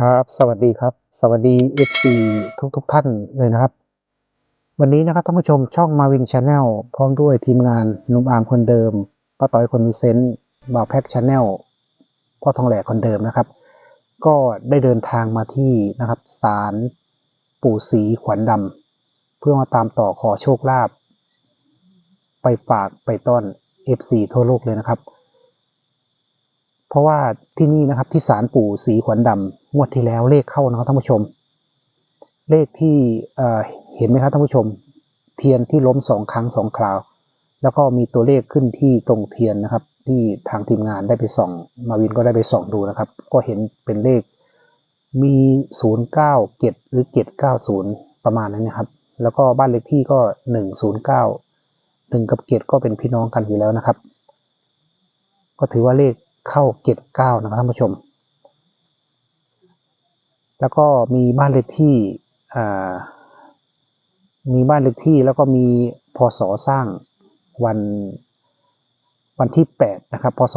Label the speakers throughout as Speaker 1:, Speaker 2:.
Speaker 1: ครับสวัสดีครับสวัสดีFC ทุกท่านเลยนะครับวันนี้นะครับท่านผู้ชมช่องมาวินชาแนลพร้อมด้วยทีมงานหนุ่มอาร์มคนเดิมป้าต้อยคนมีเซนต์บ่าวแพ็กชาแนลพ่อทองแหลกคนเดิมนะครับก็ได้เดินทางมาที่นะครับศาลปู่ศรีขวัญดำเพื่อมาตามต่อขอโชคลาภไปฝากไปต้อน FC ทั่วโลกเลยนะครับเพราะว่าที่นี่นะครับที่ศาลปู่ศรีขวัญดำงวดที่แล้วเลขเข้านะครับท่านผู้ชมเลขที่เห็นไหมครับท่านผู้ชมเทียนที่ล้ม2 ครั้ง2 คราวแล้วก็มีตัวเลขขึ้นที่ตรงเทียนนะครับที่ทางทีมงานได้ไปส่องมาวินก็ได้ไปส่องดูนะครับก็เห็นเป็นเลขมี097หรือ790ประมาณนั้นนะครับแล้วก็บ้านเลขที่ก็109 1กับ7ก็เป็นพี่น้องกันอยู่แล้วนะครับก็ถือว่าเลขเข้า79นะครับท่านผู้ชมแล้วก็มีบ้านเลขที่แล้วก็มีพศสร้างวันที่8นะครับพศ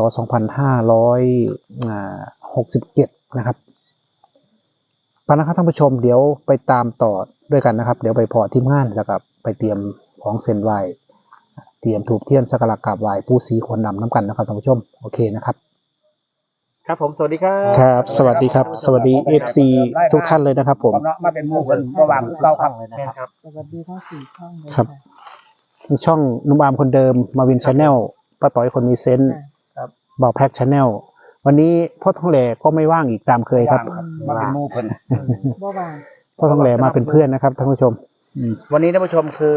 Speaker 1: 2567นะครับไปนะครับท่านผู้ชมเดี๋ยวไปตามต่อด้วยกันนะครับเดี๋ยวไปพอทีมงานแล้วก็ไปเตรียมของเส้นไหว้เตรียมถูกเทียนสักการะกราบไหว้ปู่ศรีขวัญดำน้ำกันนะครับท่านผู้ชมโอเคนะครับ
Speaker 2: ครับผมสวัสดีครับ
Speaker 1: ครับสวัสดีครับสวัสดี FC ทุกท่านเลยนะครับผม
Speaker 2: มาเป็นหมู่กันระหว่างเราครับเลยนะครับ
Speaker 3: สวัสดีทั้ง4 ช่องเลย
Speaker 1: ครับช่องนุ่มอามคนเดิมมาวินชาแนลป้าต้อยคนมีเซนต์บ่าวแพ็กชาแนลวันนี้พ่อทองแหล่ก็ไม่ว่างอีกตามเคยครับ
Speaker 2: มาเป็นหมู่เพิ่น
Speaker 3: บ่ว่าง
Speaker 1: พ่อทองแหล่มาเป็นเพื่อนนะครับท่านผู้ชม
Speaker 2: วันนี้ท่านผู้ชมคือ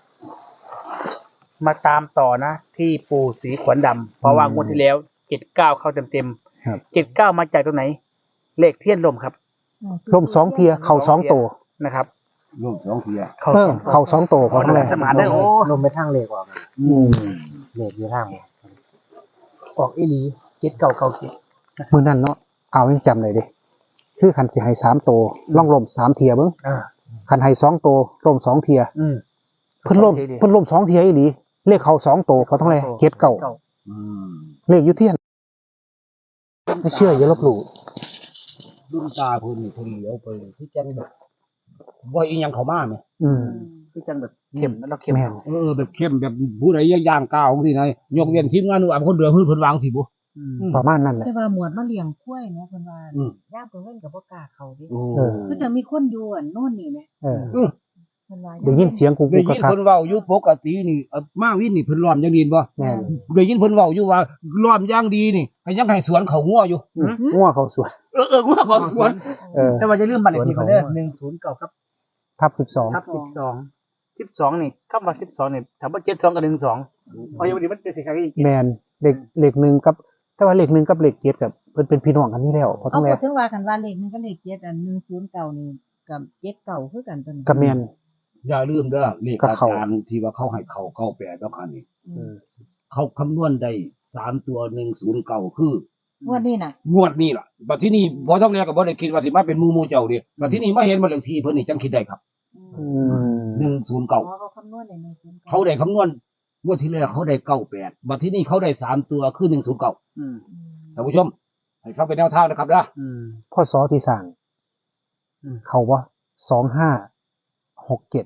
Speaker 2: มาตามต่อนะที่ปู่ศรีขวัญดำเพราะว่างวดที่แล้ว79เข้าเต็ม79มาจากตรงไหนเลขเทียนลมครับ
Speaker 1: ร่ม2 เทียเข่า2 โต
Speaker 2: นะครับ
Speaker 4: ร่ม2 เทีย
Speaker 1: เข่า2 โตพ่อทองแหล่
Speaker 2: สมานได้โอ้
Speaker 3: ลมไปทางเลขออกเลขอยู่ทาง
Speaker 2: ออกอีหลี7997
Speaker 1: มื้อนั้นเนาะเอายังจำได้เด้คือคันสิให้3 โตล่องลม3 เทียเบิ่งคันให้2 โตร่ม2 เทียเพิ่นล่ม2 เทียอีหลีเลขเข่า2 โตพ่อทองแหล่79เลขอยู่เทียนไม่เชื่ออย่าลบหลู่
Speaker 4: รุ่นตาเพิ่นนี่เพิ่นเหลียวไปที่จังแบบบ่อีหยังเข้ามาแม่
Speaker 2: คือจังแบบเข้มแล้วเข้ม
Speaker 1: แม่น
Speaker 4: แบบเข้มแบบผู้ใดย่างก้าวจังซี่นะยกเว้นทีมงานหนูคนเดียวเพิ่นวางสิบ่
Speaker 1: ประมาณนั้นแหละ
Speaker 3: แต่ว่าหมวดมาเลี้ยงกล้วยแม่เพิ่นว่าย่ามเพิ่นเล่นก็บ่กล้าเข้าดิ
Speaker 4: โอ้
Speaker 3: คือจังมีคนอยู่โน่นนี่แม่
Speaker 1: เออ
Speaker 3: เพิ่นว่า
Speaker 1: ได้ยินเสียงกู
Speaker 4: ได้
Speaker 1: กู
Speaker 4: ยิน
Speaker 1: ครับ
Speaker 4: เพิ่นเว้าอยู่ปกตินี่มาวินนี่เพิ่นล้อมอย่างดีบ่
Speaker 1: แม่น
Speaker 4: ได้ยินเพิ่นเว้าอยู่ว่าล้อมอย่างดีนี่ก็ยังให้สวนเขางัวอยู่
Speaker 1: งัวเขาสวย
Speaker 4: งัวเขาสวน
Speaker 2: แต่ว่าจะลืมบัตรเลขที่เพิ่นเด้อ109ครับ
Speaker 1: ทับ
Speaker 2: ทับ12นี่คำว่า12นี่ถามว่า72กับ12เอาอย่างนี้มันเป็นสิครับอีก
Speaker 1: 12แมนเลข1กับแต่ว่าเลข1กับเลข7กับเพิ่นเป็นพี่น้องกันนี่แล้วเพราะ
Speaker 3: เอา
Speaker 1: ต้องแล
Speaker 3: พูดถึงว่าคันว่าเลข1กับเลข7อัน109นี่กับ79คือกันตัวนี้
Speaker 1: กับแมน
Speaker 4: อย่าลืมเด้อเลขอาจารย์ที่ว่าเขาให้เขา98แล้วคันนี้เขาคำนวณได้3 ตัว109คือ
Speaker 3: วันนี้น่ะ
Speaker 4: งวดนี้ล่ะบัดที่นี่บ่ต้องเรียกก็บ่ได้คิดว่าสิมาเป็นหมู่เจ้าเด้บัดที่นี่มาเห็นบ้านเลขที่เพิ่นนี่จังคิดได้ครับ 109
Speaker 3: เขาคำนวณได้109
Speaker 4: เขาได้คำนวณงวดที่แล้วเขาได้98บัดที่นี่เขาได้3 ตัวคือ109ท่านผู้ชมให้ฟังเป็นแนวทางนะครับนะ
Speaker 1: พ่อสอที่สั่งเขาว่า2567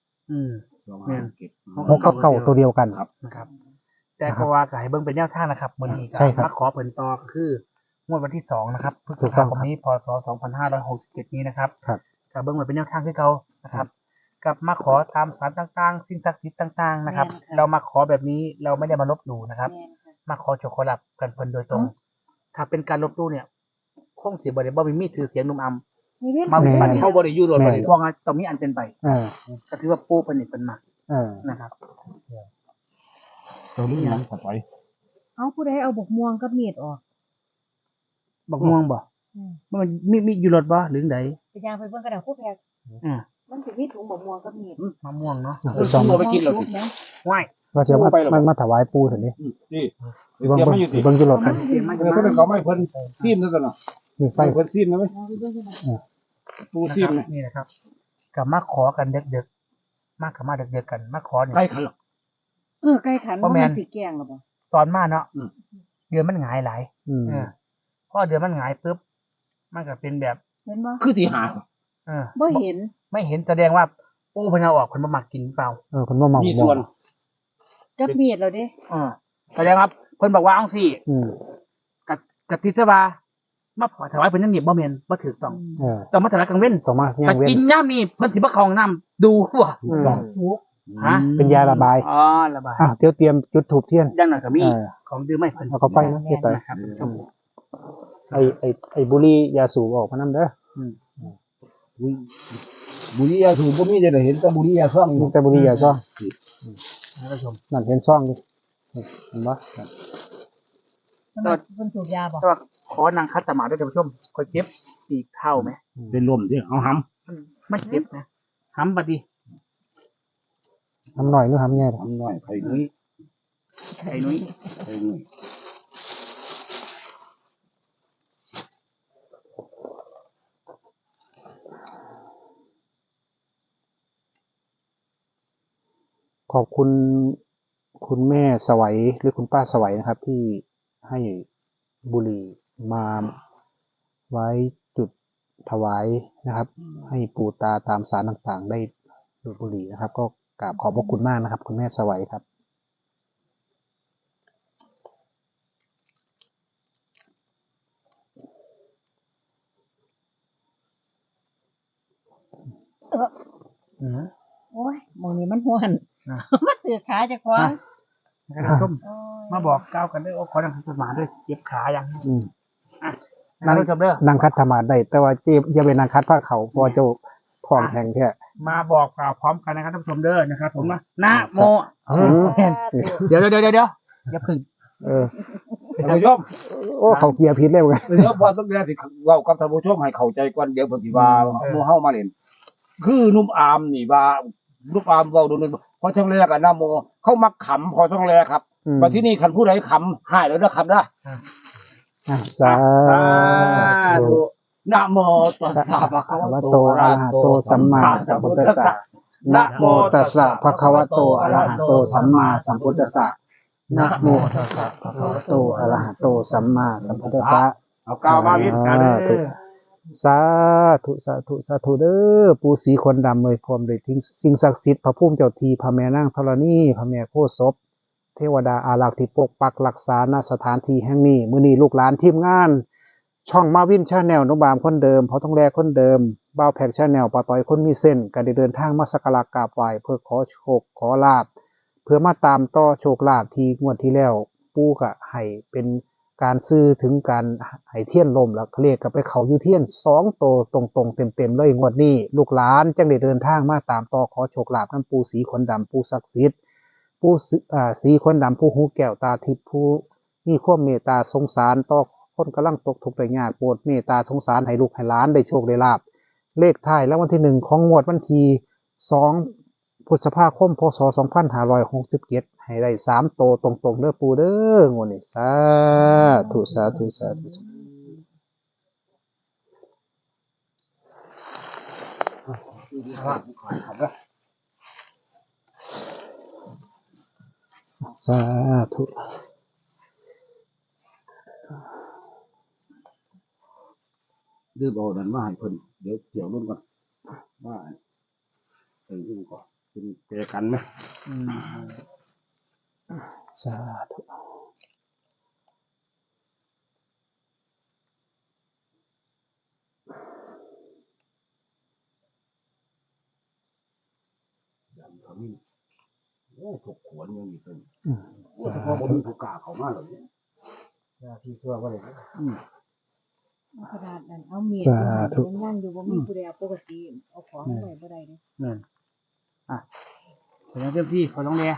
Speaker 1: 6กับเก้าตัวเดียวกัน
Speaker 2: นะครับ แต่ก็ว่าก็ให้เบิ่งเป็นแนวทางนะครับมื้อนี้ก็
Speaker 1: ใช่ครับ
Speaker 2: มาขอเพิ่นต่อก็คืองวดวันที่2นะครับพฤษ
Speaker 1: ถูกต้
Speaker 2: ภา
Speaker 1: อง
Speaker 2: ค
Speaker 1: ครั
Speaker 2: ม
Speaker 1: บ
Speaker 2: นี้พศ2567นี้นะครับ
Speaker 1: ครับ
Speaker 2: ก็เบิ่งไว้เป็นแนวทางคือเก่านะครับกับมาขอตามศาลต่างๆสิ่งศักดิ์สิทธิ์ต่างๆนะครับ เรามาขอแบบนี้เราไม่ได้มาลบหลู่นะครับ มาขอโชคขอลาภกันเพิ่นโดยตรง ถ้าเป็นการลบหลู่เนี่ยคงสิบ่ได้บ่มีชื่อเสียงนุ่มอำ
Speaker 3: นี่เว้น
Speaker 2: มา
Speaker 1: แม่
Speaker 2: บัดนี้
Speaker 4: เขาบ่ได้อยู่รถบ่ได้
Speaker 2: ว่าไงต้องมีอันเป็นไป ก็ถือว่าปู่เพิ่นนี่เพิ่นมัก นะครับ
Speaker 4: ตัวนี้ยังต่อไป
Speaker 3: เอาผู้ใดเอาบกม่วงกับมีดออก
Speaker 2: บักม่วงบ่มันมีอยู่รถบ่หรือได
Speaker 3: ไปย่างไปเบิ่งกระดาษคู่แพก มันสิมีถุงบกม่วงกับมีด
Speaker 2: มะม่วงเนาะ
Speaker 1: ไปซ่อม
Speaker 4: เอาไปกินแล้วสิ
Speaker 3: นะ
Speaker 2: ว้าย
Speaker 1: ว่าจะมาถวายปู่เถอะนี่
Speaker 4: นี่
Speaker 1: เบิ่ง
Speaker 4: เตรียมมาอยู่ติ
Speaker 1: เบิ่งอยู่รถกัน
Speaker 2: เสียงมัน
Speaker 4: เพิ่นเขาไม่เพิ่นซีมนั่นกันเนาะ
Speaker 1: นี่ไฟ
Speaker 4: เพิ่นซีมนะมั้ย
Speaker 3: เอาไปเบิ่งกันนะ
Speaker 4: ปูซีมนะ
Speaker 2: นี่นะครับกับมาขอกันดึกๆมากับมาดึกๆกันมาขอเนี่ย
Speaker 4: ใกล้ขันหรอก
Speaker 3: ไก่ขันบ่แม่นสิแกงหรอบ่
Speaker 2: ตอนมาเนาะเดือนมันหงายหลาย
Speaker 1: อืม
Speaker 2: พอเดือนมันหงายปุ๊บมันก็เป็นแบบ
Speaker 3: เห็นบ่
Speaker 4: คือที่หา
Speaker 3: บ่เห็น
Speaker 2: ไม่เห็นแสดงว่าโอ้เพิ่นเอาออกเพิ่นบ่มักกินเปล่า
Speaker 1: คนว่าเมา
Speaker 4: มีส่วน
Speaker 3: จับมีดแล้วเด้
Speaker 2: แสดงว่าเพิ่นบอกว่าอังซี่
Speaker 1: อืม
Speaker 2: กะติซะว่ามาขอถวายเพิ่นยังนี่บ่แม่นบ่ถูกต้อง
Speaker 1: เออ
Speaker 2: ต้องมาถวายกลางเว้น
Speaker 1: ต่อมาย่า
Speaker 2: แต่
Speaker 1: งเว้น
Speaker 2: กินย่ามนี่เพิ่นสิบ่เข้าห้องน้ำดูบ่
Speaker 1: อืม
Speaker 3: สุก
Speaker 2: ฮะ
Speaker 1: เป็นยาระบาย
Speaker 2: อ๋อระบาย
Speaker 1: เตรียมจุดถูกเทียน
Speaker 2: อย่างน้อยก็มี
Speaker 1: เออ
Speaker 2: ของดื่มให้เพิ่น
Speaker 1: เอาเข้าไปนะเฮ็ดไป
Speaker 2: นะครับท่านผู้ชม
Speaker 1: ไอ้บุหรี่ยาสูบออกมานํเด้อ
Speaker 4: บุรียาสูบบ่มีได้เห็นแต่บุรียาซ่อง
Speaker 1: มีแต่บุหรี่ยาซ่อง
Speaker 2: ท่านผู้ชม
Speaker 1: นั่นเห็นซ่องดิเห็นบ่
Speaker 3: เพิ่นสูบยาบ่
Speaker 2: แต่ว่าขอนางคัดสมาธิด้วยท่านผู้ชมค่อยเก็บปีกเท่าไหม
Speaker 4: เป็นลมที่เอาหำ
Speaker 2: มันเก็บนะหำบัดดี
Speaker 1: ทำหน่อยหรือทำแย่
Speaker 4: ทำหน่อยไข่นุ้ย
Speaker 2: ไอ้นุ้ย
Speaker 4: ไข่นุ้ย
Speaker 1: ขอบคุณคุณแม่สวัยหรือคุณป้าสวัยนะครับ ที่ให้บุหรี่มาไว้จุดถวายนะครับ ให้ปู่ตาตามศาลต่างๆ ได้ดูดบุหรี่นะครับ ก็กราบขอบพระคุณมากนะครับ คุณแม่สวัยครับ
Speaker 2: อืม
Speaker 3: โอ้ยหมองนี้มันฮ้อน
Speaker 2: อ่ะ
Speaker 3: มันถือขาเจะคว้าของ
Speaker 2: ท่านผู้ชม
Speaker 3: โอ้ย
Speaker 2: มาบอกก้าวกันด้วยโอ้ขอนางคัดสมาธิด้วยเก็บขาอย่างนี้
Speaker 1: อืม
Speaker 2: ท่านผู้ชมเด้อ
Speaker 1: นางคัดธรรมาได้ แต่ว่าเจ็บอย่าเป็นนางคัดผ้าเขาเพอเจ้าท้องแข็งแท้
Speaker 2: มาบอกกล่าวพร้อมกันนะครับท่านผู้ชมเด้อนะครับ ผมนะโม
Speaker 1: อืม
Speaker 2: เดี๋ยวอย่าพึ่ง
Speaker 1: เออ
Speaker 4: ท่านผู้ชม
Speaker 1: โอ้เขาเกียร์พิษเร็วกัน
Speaker 4: เดี๋ยวพอต้องเรียนสิเว้ากับท่านผู้ชมให้เข้าใจก่อนเดี๋ยวเพิ่นสิว่าหมู่เฮามาเล่นคือนุ่มอามนี่ว่านุ่มอามเว้าโดนพอช่องแรกอะนะโมเขามักขำพอช่องแรกครับ
Speaker 1: อืม
Speaker 4: มาที่นี่คันผู้ใดขำหายแล้วนะคำนะ
Speaker 1: อ่ะสาธุ
Speaker 4: นะโมตัสสะภะคะ
Speaker 1: อะ
Speaker 4: วะ
Speaker 1: ระ
Speaker 4: โต
Speaker 1: โตอะระหะโตสัมมาสัมพุทธัสสะนะโมตัสสะภะคะวะโตอะระหะโตสัมมาสัมพุทธัสสะนะโมตัสสะภะคะวะโตอะระหะโตสัมมาสัมพุทธัสสะ
Speaker 4: เอากล่าวมาวิทย์กันเด้อ
Speaker 1: สาธุสาธุสาธุเด้อปู่ศรีคนดำเลยพร้อมด้วยสิ่งศักดิ์สิทธิ์พระภูมิเจ้าทีพระแม่นางธรณีพระแม่โคศพเทวดาอารักษ์ที่ปกปักรักษาณสถานที่แห่งนี้มื้อนี้ลูกหลานทีมงาน ช่องมาวินชาแนลนุบามคนเดิมเพราะต้องแลคนเดิมบ้าวแพกชาแนลปาต้อยคนมีเส้นก็ได้เดินทางมาสักการะกราบไหว้เพื่อขอโชคขอลาภเพื่อมาตามต่อโชคลาภที่งวดที่แล้วปู่ก็ให้เป็นการซื้อถึงการให้เทียนลมแล้วเลขก็ไปเขาอยู่เทียน2โตวตรงๆเต็มๆเลยงวดนี้ลูกหลานจังได้เดินทางมาตามต่อขอโชคลาภนำปู่ศรีขนดำปู่ศักดิ์สิทธิ์ปู่ศรีขนดำผู้หูแก้วตาทิพย์ผู้มีความเมตตาสงสารต่อคนกำลังตกทุกข์ได้ยากโปรดเมตตาสงสารให้ลูกให้หลานได้โชคได้ลาภเลขท้ายแล้ววันที่1ของงวดวันที่2พฤษภาคมพศ2567ให้ได้3โตวตรงๆเด้อปู่เด้องวดนี้สาธุสาธุสาธุสาธุ
Speaker 4: ดื้อเบาดันมาให้เพิ่นเดี๋ยวเกี่ยวร่วมกันว่าอื่นก่อนเป็นแปรกันไหม
Speaker 1: สาธุ
Speaker 4: ดำขมิ้นโอ้ถกขวนยังมีเป็น
Speaker 1: สา
Speaker 4: เฉพาะคน
Speaker 1: ธุ
Speaker 4: มีผู้กล้าเขามาเลยเนี่ย
Speaker 2: ที่ชั่วว่าเลย
Speaker 3: ขนาดนั้นเอามีดยังนั่งอยู่บ่มีผู้ใดเอาปกติเอาของไว้บ่ได้เด้
Speaker 2: นั่นแต่เจ้าที่เขาต้องเรีย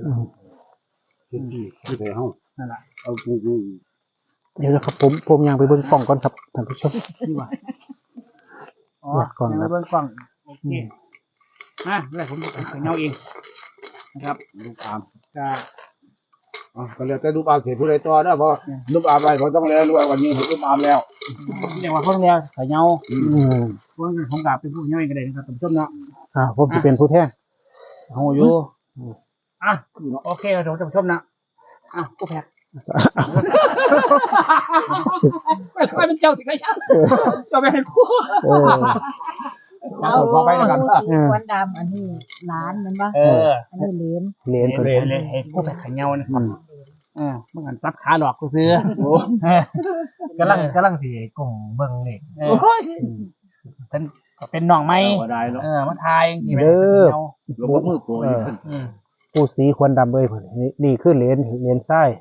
Speaker 4: ที่ไปห้อง
Speaker 2: นั่นแหละ
Speaker 4: เอากู
Speaker 1: เดี๋ยวนะครับผมยังไปเบิ่งกล่องก่อนครับท่านผู้ชม
Speaker 2: ที่ว่าอ๋อ
Speaker 1: อยากก่อน
Speaker 2: ยัง
Speaker 1: ครั
Speaker 2: ไม่
Speaker 1: บ
Speaker 2: เบิ้งกล่องโอเคเดี๋ยวผมจะเงาเองนะครับ
Speaker 4: ลูกอาม
Speaker 2: จะ
Speaker 4: ก็เลยแต่ลูกอามเสียผู้ใดต่อนะเพราะลูกอามไปเขาต้องแล้วด้วยวันนี้ลูกอามแล้ว
Speaker 2: เรียกว่าเขาต้องเรียกเงา
Speaker 1: อืม
Speaker 2: เพราะงั้นผมกลับไปพูดเงาเองก็ได้นะครับท่านผู้ชมเนาะ
Speaker 1: ผมจะเป็นผู้แทน
Speaker 2: โอ้ยโอเคเราจะผู้ชมนะกูแพก
Speaker 4: ไม่ค่อยเป็นเจ้าสิกะยังเจ้าไม่ให้คู่
Speaker 1: เออ
Speaker 3: เอา
Speaker 4: ขอไปแล้วกัน
Speaker 3: สีควันดำอันนี้ร้านมันปะ
Speaker 2: เออ
Speaker 3: อันนี้เหรียญ
Speaker 1: เหรียญเพิ่น
Speaker 2: เลยให้ผู้ไปขายเงานะ เมื่อกันซับขาหลอกกูซื้อ
Speaker 5: กำลังสิกลุ่มเบิ่งเลข
Speaker 2: ฉันก็เป็นน้องไม้
Speaker 4: ก็ได้เนาะ
Speaker 2: มาทายที่ไม่
Speaker 4: ลงกับมือโปรยซั่น
Speaker 1: ผู้สีควันดำเอ้ยเพิ่นนี่คือเหรียญทราย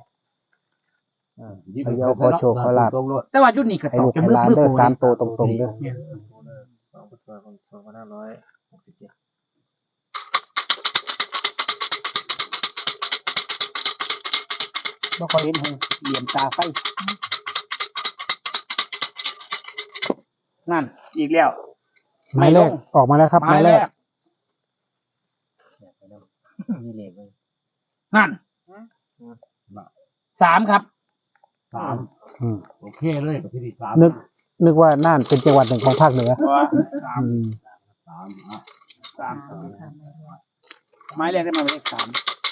Speaker 2: แต่ว่ายุดนี้ก็
Speaker 1: ให้
Speaker 2: ต
Speaker 1: ลู
Speaker 2: ก
Speaker 1: ก
Speaker 2: เป็น
Speaker 1: ให้
Speaker 2: มือ
Speaker 1: หลาน
Speaker 2: มือ
Speaker 1: เด้อ
Speaker 2: โปร
Speaker 1: 3ตัวตรงๆเด้อ
Speaker 2: บ่ค่อยเห็นเหลี่ยมตาไฟนั่นอีกแล้ว
Speaker 1: หมายแรกออกมาแล้วครับหมายแรก
Speaker 5: มีเลขเลย
Speaker 2: นั่น3ครับ
Speaker 1: อืม
Speaker 4: โอเคเลยประเภทที่สาม
Speaker 1: นึกว่าน่านเป็นจังหวัดหนึ่งของภาคเหนืออืม
Speaker 2: ไม้แรกได้มาเป็นเลข3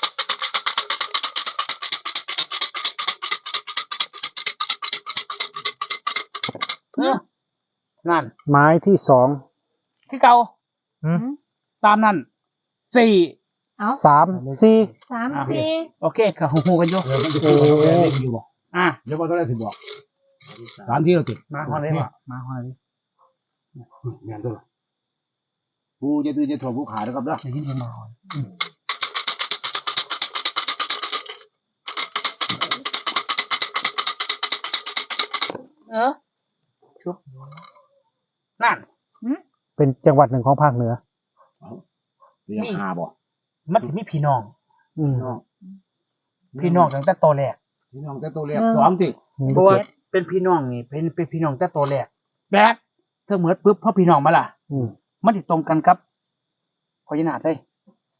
Speaker 2: นั่น
Speaker 1: ไม้ที่สอง
Speaker 2: ที่เก่าตามนั่น4
Speaker 3: เอา
Speaker 1: 3 4
Speaker 3: 3 4
Speaker 2: โอเคก็หูกันอยู่
Speaker 4: เดี๋ยวมันจะพูดว่าเลขอยู่บ่ เดี๋ยวว่าต้องได้ถึงบอกสามที่เราติด
Speaker 2: มาฮอดเลยว่ะมาฮอดเลย
Speaker 4: แม่นตัวละผู้จะตื่นจะถ่วงผู้ขานะครับเนาะ
Speaker 2: จะยินเป็นมาฮอดชุบนั่น
Speaker 1: เป็นจังหวัดหนึ่งของภาคเหนือ
Speaker 4: เรียกหาบ่
Speaker 2: มันจะมีพี่น้อง
Speaker 1: อืม
Speaker 2: พี่น้องตั้งแต่โตแรก
Speaker 4: พี่น้องแต่ตัวเรียกสองติ
Speaker 2: เพราะว่าเป็นพี่น้องนี่เป็นพี่น้องแต่โตแรกแบกเธอเหมือนปุ๊บพอพี่น้องมาล่ะ
Speaker 1: อืม
Speaker 2: มันติดตรงกันครับพอยนาดเลย0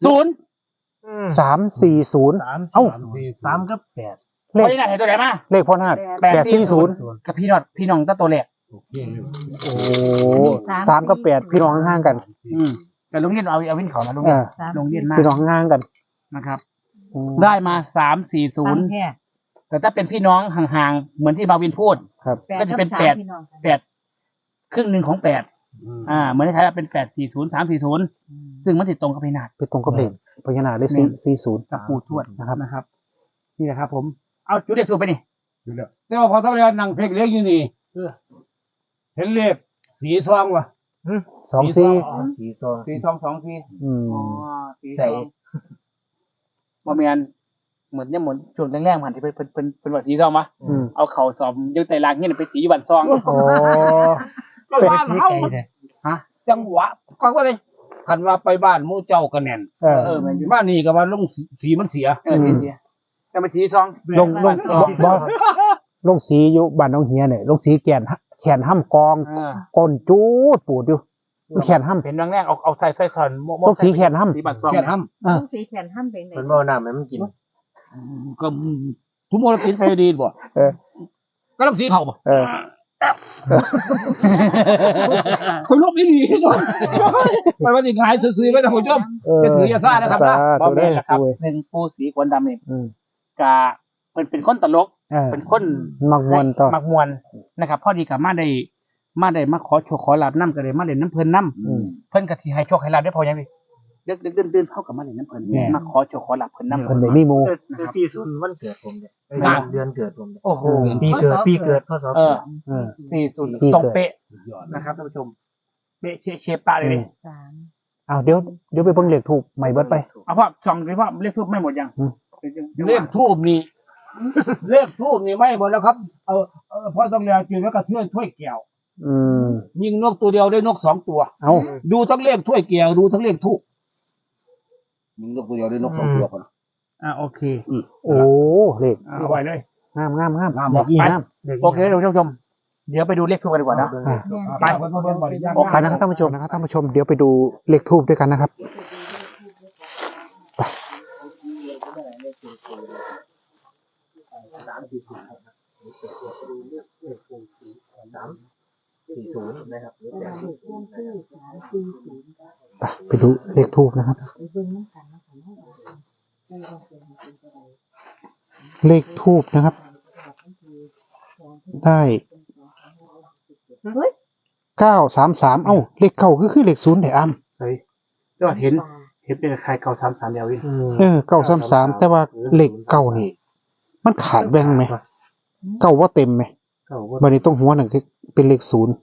Speaker 1: 340 เอ้า
Speaker 5: 3กับ8
Speaker 1: เล
Speaker 2: พ
Speaker 1: ข
Speaker 2: อยนาดให้ตัวไหนมา
Speaker 1: เลขพ่อนาฏ840
Speaker 2: กับพี่น้องแต่โตแรก
Speaker 4: โอเคเลย
Speaker 1: โอ้3กับ8พี่น้องห่างๆกัน
Speaker 2: แต่โรงเรียนเอาวินเขานะโรงเรียน โรงเรียนมาก
Speaker 1: พี่น้องห่างๆกัน
Speaker 2: นะครับ
Speaker 1: อืม
Speaker 2: ได้มา
Speaker 3: 3
Speaker 2: 340
Speaker 3: แค่
Speaker 2: แต่ถ้าเป็นพี่น้องห่างๆเหมือนที่มาวินพูด
Speaker 1: ครับ
Speaker 2: ก็จะเป็น
Speaker 3: 8
Speaker 2: 8 ครึ่งหนึ่งของ8เหมือนที่ไทยเป็น840 340ซึ่งมันติดตรงกับพี่นาด
Speaker 1: ไปตรงกับเลขพญานาคเลข40
Speaker 2: กับปู่ทวด
Speaker 1: นะครับ
Speaker 2: นี่แหละครับผมเอาจุดเด็กถูกไปนี่
Speaker 4: อยู่แล้วแต่ว่าพอต้องเรียนนั่งเพลงเล็กอยู่นี่เห็นเลขสีซองวะ
Speaker 1: 24
Speaker 5: สีซอง
Speaker 2: สีสองสองสี
Speaker 1: อืม
Speaker 2: สี
Speaker 5: ใส่
Speaker 2: สองบ่แม่นเหมือนช่วงแรกๆมันที่เป็นว่าสีซองมะ
Speaker 1: อืม
Speaker 2: เอาเข่าสอบยึดไตรลางเงี้ยไปสีอยู่บันซอง
Speaker 1: โอ้
Speaker 4: บ้านเฮา
Speaker 2: ฮะ
Speaker 4: จังหวะก็ว่าเลยคันว่าไปบ้านหมู่เจ้าก็แน่น
Speaker 1: เออ
Speaker 2: แม่นอยู่
Speaker 4: บ้านนี้ก็ว่าลงสีมันเสีย
Speaker 2: สีแต่เป็นสีซอง
Speaker 1: ลงลงสีอยู่บ้านน้องเฮียเนี่ยลงสีแขนห้ำกองก้นจูดปูดอยู่แขนห้ำ
Speaker 2: เป็นแรกๆเอาใส่สอน
Speaker 1: ลงสีแขนห้ำ
Speaker 2: สีบันซอง
Speaker 4: แค่ท
Speaker 3: ต้องสีแขนห้ามเป็นไหน
Speaker 5: เพิ่นบ่เอาน้ำให้มันกิน
Speaker 4: ำก็ทุกโมลติดไฟดีบ่
Speaker 1: เออ
Speaker 4: ก็ลงสีเขาบ่
Speaker 1: เออ
Speaker 4: คนลบอีหลีเนาะมันว่าสิหายซื่อๆไว้ท่านผู้ชม จะถืออย่าซ่านะครับนะ
Speaker 2: บ่
Speaker 1: ตัว
Speaker 2: แม่
Speaker 1: ได้
Speaker 2: นนะครับ
Speaker 1: ด้วย
Speaker 2: หนึ่งปูสีควนดำนี่
Speaker 1: อืม
Speaker 2: กะเป็นคนตลก
Speaker 1: เออ
Speaker 2: เป็นคน
Speaker 1: มักมวนต่อ
Speaker 2: มักมวนนะครับพอดีกับมาได้มาขอโชคขอลาบน้ำก็เลยมาเล่นน้ำเพลินน้
Speaker 1: อืม
Speaker 2: ำเพิ่นก็สิให้โชคให้ลาบได้พอยังพี่เดินเข้ากับมาเล่นน้ำเพลิน
Speaker 1: แน่
Speaker 2: มาขอโชคขอลาบเพลินน้ำ
Speaker 1: เพิ่นได้มีหมู่
Speaker 5: คือ40วันเกิดผมเนี่ย
Speaker 2: อ่า
Speaker 5: เดือนเกิดผมเนี่ย
Speaker 2: โอ้โห
Speaker 5: ปีเกิดพศ
Speaker 2: เออ
Speaker 1: เออ
Speaker 2: 40
Speaker 1: ปีเกิด
Speaker 2: ตรงเป๊ะนะครับท่านผู้ชมเป๊ะเชฟปะเลย
Speaker 3: 3
Speaker 1: อ้าวเดี๋ยวไปเบิ่งเลขถูกใหม่เบิดไป
Speaker 2: เอาพ่อส่องเลยพ่อเลขทูบไม่หมดยัง
Speaker 1: อืม
Speaker 4: เลขทูบนี่เลขทูบนี่ไม่หมดแล้วครับพอต้องเรียนกินแล้วก็ถ้วยแก้ว
Speaker 1: อืม
Speaker 4: ยิงนกตัวเดียวได้นก2ตัว
Speaker 1: เอา
Speaker 4: ดูทั้งเลขถ้วยแก้วดูทั้งเลขทูบยิงนกตัวเดียวได้นก2ตัวพอนะ
Speaker 2: โอเค
Speaker 1: โอ้เลข
Speaker 2: เอาไว้เลย
Speaker 1: งาม
Speaker 4: งามบ่
Speaker 1: งาม
Speaker 2: โอเคท่านผู้ชมเดี๋ยวไปดูเลขทูบกันดีกว่านะ
Speaker 1: อ่ะ
Speaker 2: ไป
Speaker 1: ไปนะครับท่านผู้ชมนะครับท่านผู้ชมเดี๋ยวไปดูเลขทูบด้วยกันนะครับ
Speaker 5: 40นะครับ
Speaker 1: ไปดูเลขทูบนะครับ
Speaker 3: ไปเบิ่งน้ำกันนะคะเนาะ
Speaker 1: เลขทูบนะครับ ได้
Speaker 3: เฮ้ย
Speaker 1: 933เอ้าเลขเก้าคือเลข0ได้อ้ำ
Speaker 2: เฮ้ยยอดเห็นเป็นใครเก่า3-3เดียววิน
Speaker 1: 933แต่ว่าเลขเก้านี่มันขาดแบ่งไหมเก้าว่าเต็มไหม
Speaker 5: เก้าว่า
Speaker 1: บัดนี้ตรงหัวนั่นคือเป็นเลข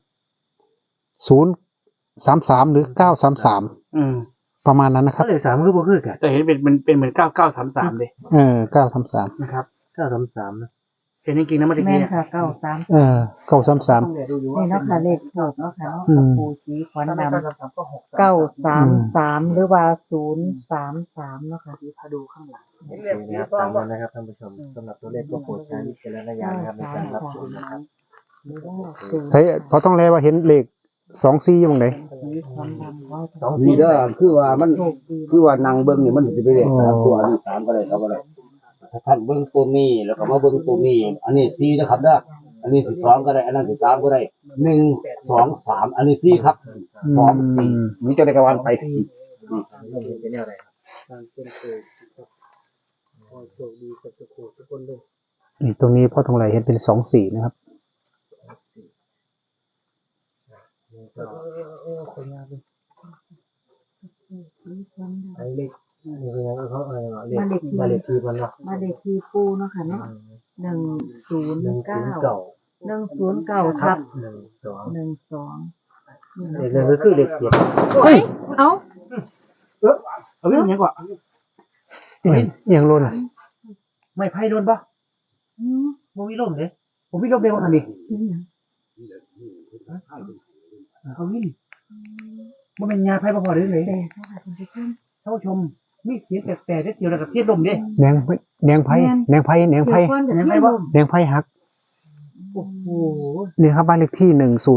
Speaker 1: 033หรือ933
Speaker 2: อืม
Speaker 1: ประมาณนั้นนะครับ
Speaker 5: เลขสามคือบ่คือกัน
Speaker 2: แต่เห็นเป็นเหมือน9933เลย
Speaker 1: 933
Speaker 2: นะครับ
Speaker 5: 933นะ
Speaker 2: เห็นจริงๆนะไม่ได้
Speaker 3: แม่
Speaker 2: กี้
Speaker 3: นค่ะ93
Speaker 1: 933
Speaker 3: นี่เนาะค่ะเลขถูกเนาะค่ะเนาะ
Speaker 1: อืม
Speaker 3: ปูสีขวัญดำ
Speaker 2: ก็6
Speaker 3: 933หรือว่า033เนาะค่ะ
Speaker 2: พาดูข้างหลัง
Speaker 5: โอเคนะครับตามนั้นนะครับท่านผู้ชมสำหรับตัวเลขก็โปรดใช้วิจารณญาณนะครับในการรับชมนะครับ
Speaker 3: หรือว่า
Speaker 1: ใช่พอต้องแลว่าเห็นเลข24อยู่ตรงไหน
Speaker 3: สีขวัญดำว่า
Speaker 5: สอง
Speaker 4: นี่เด้อคือว่ามัน
Speaker 3: โชคดี
Speaker 4: คือว่านางเบิ้งนี่มันสิไปเลข3ตัวอันนี้3ก็ได้2ก็ได้ถ้าท่านเบิ้งตัวนี้แล้วก็มาเบิ้งตัวนี้อันนี้4นะครับเด้ออันนี้สิ2ก็ได้อันนั้นสิ3ก็ได้1 2 3อันนี้4ครับ2 4นี่จะได้กระวันไป
Speaker 5: เป็นแนวไหนครับ
Speaker 1: นี่ตรงนี้พ่อทองไหลเห็นเป็น24นะครับ
Speaker 5: ไอ้เลขนี่คือยังเขาเลขบ้านเลขที่มันเนาะ
Speaker 3: มาเลขที่ปูเนาะค่ะเนาะ109 109ทับ
Speaker 5: 12
Speaker 3: 12
Speaker 5: เลขหนึ่งก็คือเลข7
Speaker 3: เฮ้ยเอ้า
Speaker 2: เอาวิ่งยังกว่า
Speaker 1: ยังล้น
Speaker 2: ไม่ไพ่โดนปะ
Speaker 3: อืม
Speaker 2: โมวิลมเลยผมวิลมเร็วขนาดนี้เขาวิ่งมันเป็นยาไพ่พอๆเลยเลย
Speaker 3: แต่ค่ะท่านผู้ชม
Speaker 2: ท่านผู้ชมมีเสียงแต่ได้เดียวกับเทียบลมดิ
Speaker 1: แดงไพ่แดงไพ่แดงไพ่แดงไพ่
Speaker 3: เดี๋ยวก่อนเดี๋ยวให้ลม
Speaker 1: แดงไพ่ฮัก
Speaker 2: โอ้โห
Speaker 1: นี่ครับบ้านเลขที่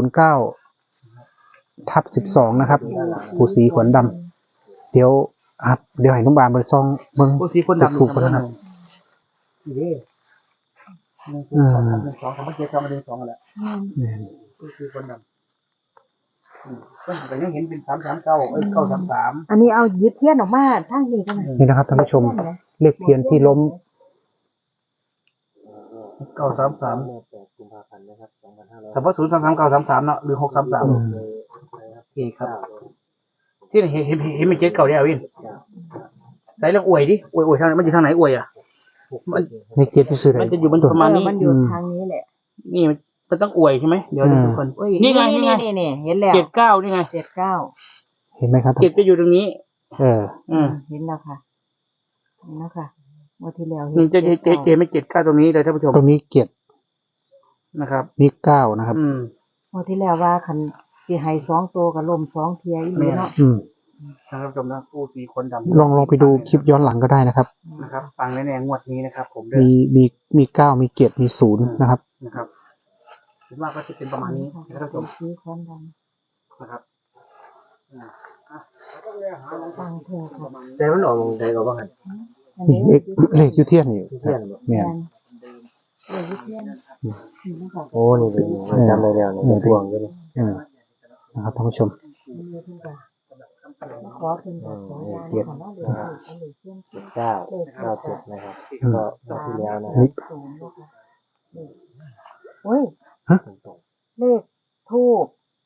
Speaker 1: 109/12นะครับผู้สีขวัญดำเดี๋ยวให้น้องบามไปซ่องเบิ่ง
Speaker 2: โอ้สีคนดำ
Speaker 1: ถูกกันนะครับ
Speaker 2: นี่1 2 3 7 9มา1 2กันแหละ
Speaker 1: เนี่ย
Speaker 2: โอ้สีคนดำก็ยังเห็นเป็น339 933
Speaker 3: อันนี้เอาหยิบเทียนออกมาทางนี้กันนะ
Speaker 1: นี่นะครับท่านผู้ชมเลขเทียนที่ล้ม
Speaker 2: 933
Speaker 5: กุมภาพันธ์นะครับ2500
Speaker 2: แต่ว่า033 933เนาะหรือ633โอเคครับที่เห็นเป็นเจ็ดเก่าเนี่ยวินไหนลองอวยดิอวยทางมันอยู่ทางไหนอวยอ่ะมัน
Speaker 1: ในเกียรติชื่ออะไร
Speaker 2: มันจะอยู่บนประมาณนี้
Speaker 3: มันอยู่ทางนี้แหละ
Speaker 2: นี่มันต้องอวยใช่ไหมเดี๋ยวทุกคน
Speaker 3: โอ้ย
Speaker 2: นี่ไง
Speaker 3: นี่เห็นแล้ว
Speaker 2: 79นี่ไง
Speaker 3: 79
Speaker 1: เห็นไหมครับ
Speaker 2: เจ็ดจะอยู่ตรงนี้
Speaker 1: อืม
Speaker 3: เห็นแล้วค่ะเห็นแล้วค่ะเมื่อที่แล้ว
Speaker 2: นี่จะไม่79ตรงนี้เลยท่านผู้ชม
Speaker 1: ตรงนี้เกียรติ
Speaker 2: นะครับ
Speaker 1: นี่9นะครับ
Speaker 3: เมื่อที่แล้วว่าคันสิให้2ตัวกับลม2เทียอีหลีเนาะ
Speaker 2: ท่านผู้ชมนะผู้สีคนดำ
Speaker 1: ลองไปดูคลิปย้อนหลังก็ได้นะครับ
Speaker 2: นะครับฟังแน่ๆงวดนี้นะครับ ผมเด้
Speaker 1: มี9มีเกียรติมี0นะครับ
Speaker 2: นะครับคิดว่าก็จะเป็นประมาณนี้ท่านผู้ชม
Speaker 3: สีขวัญด
Speaker 2: นะครับ
Speaker 3: ำฟังเถอะค่ะ
Speaker 5: แต่มันออกใดก็บ่หัน
Speaker 3: อัน
Speaker 1: นี่
Speaker 3: นี้
Speaker 1: เลขอยูเทียนนี่
Speaker 5: เทียนบ่
Speaker 1: เนี่ย
Speaker 3: เลยเทียนนี่นะคะ
Speaker 5: โอ้นี่เป็นจำได้แล้วนี่พวงอยู่นี่
Speaker 1: นะครับท่านผู้ชม
Speaker 3: นี่ทุกอย่างขอเป็นแบบขอได้ค่ะเนาะเดี๋ยวอันนี้เทียน
Speaker 5: 997นะครับก็รอบที่แล้วนะครั
Speaker 1: นี่
Speaker 5: บ
Speaker 3: 0นะคะโอ้ย
Speaker 5: ตรง
Speaker 3: เลขทูบ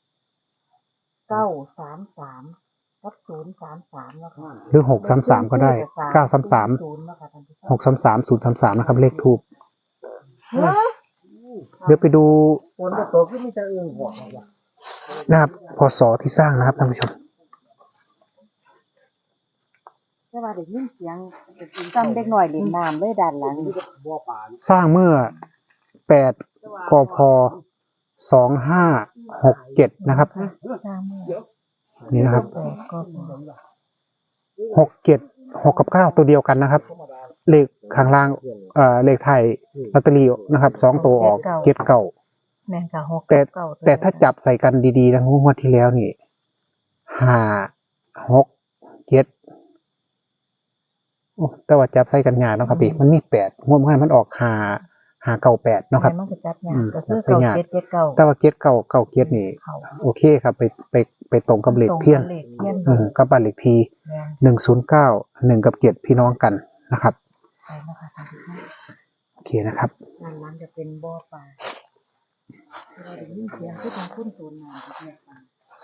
Speaker 3: 933กับ033แล้วค่ะ
Speaker 1: หรือ633ก็ได้933
Speaker 3: 0นะคะท่านผู้ชม
Speaker 1: 633 033นะครับเลขทูบ
Speaker 3: เฮ้ย
Speaker 1: เดี๋ยวไปดู
Speaker 5: ฝนก็ตกคือมีแต่อึ่งหัวว่ะ
Speaker 1: นะครับพศที่สร้างนะครับท่านผู้ชม
Speaker 3: แต่ว่าได้ยินเสียงจำเด็กหน่อยเล่นน้ำเลยด้านหลัง
Speaker 1: สร้างเมื่อ8กพ2567นะครับ
Speaker 3: สร้างเมื่อ
Speaker 1: นี่นะครับ
Speaker 3: ก็
Speaker 1: 67 6กับ9ตัวเดียวกันนะครับ เลขข้างล่างเลขไทยลอตเตอรี่นะครับ2ตัวออกเก็ดเก่า
Speaker 3: แม่นค่ะ6
Speaker 1: แต่ถ้าจับใส่กันดีๆนะงวดที่แล้วนี่5 6 7โอ้แต่ว่าจับใส่กันยากเนาะครับพี่มันมี8งวดเมื่อมันออก5 9 8เนาะครับ
Speaker 3: มันก็จับยากก็คือ
Speaker 1: ใส่ยาก
Speaker 3: 9
Speaker 1: แต่ว่าเก็ดเก่าเก็ดนี่
Speaker 3: เขา
Speaker 1: โอเคครับไปตรงกับเลขเพี้ยน
Speaker 3: เลขเพี้ยน
Speaker 1: กับบ้านเลขที่
Speaker 3: แม่น
Speaker 1: 109 1กับ7พี่น้องกันนะครับ
Speaker 3: ไปนะคะท่านผู้ชม
Speaker 1: นะครับ
Speaker 3: ด้านหลังจะเป็นบ่อปลาเราได้ยินเสียงคือทางคุ้นโซนน้ำที่แม่ฟัง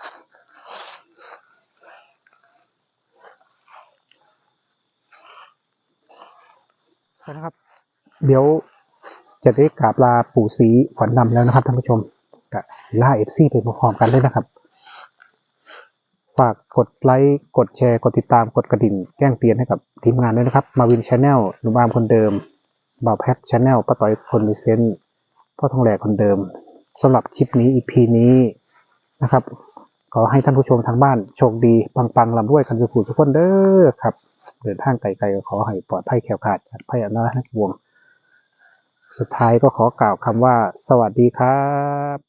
Speaker 1: นะครับเดี๋ยวจะได้กราบลาปู่ศรีขวัญนำแล้วนะครับท่านผู้ชมกับล่าFCไปพร้อมๆกันเลยนะครับฝากกดไลค์กดแชร์กดติดตามกดกระดิ่งแจ้งเตือนให้กับทีมงานด้วยนะครับมาวินชาแนลหนุ่มอามคนเดิมบ่าวแพทชาแนลป้าต้อยคนมีเซนส์พ่อทองแหลกคนเดิมสำหรับคลิปนี้ EP นี้นะครับขอให้ท่านผู้ชมทางบ้านโชคดีปังๆลำด้วยกันสุขทุกคนเด้อครับเดินทางไกลๆก็ขอให้ปลอดภัยแคล้วคลาดจากภัยอันตรายทั้งปวงสุดท้ายก็ขอกล่าวคำว่าสวัสดีครับ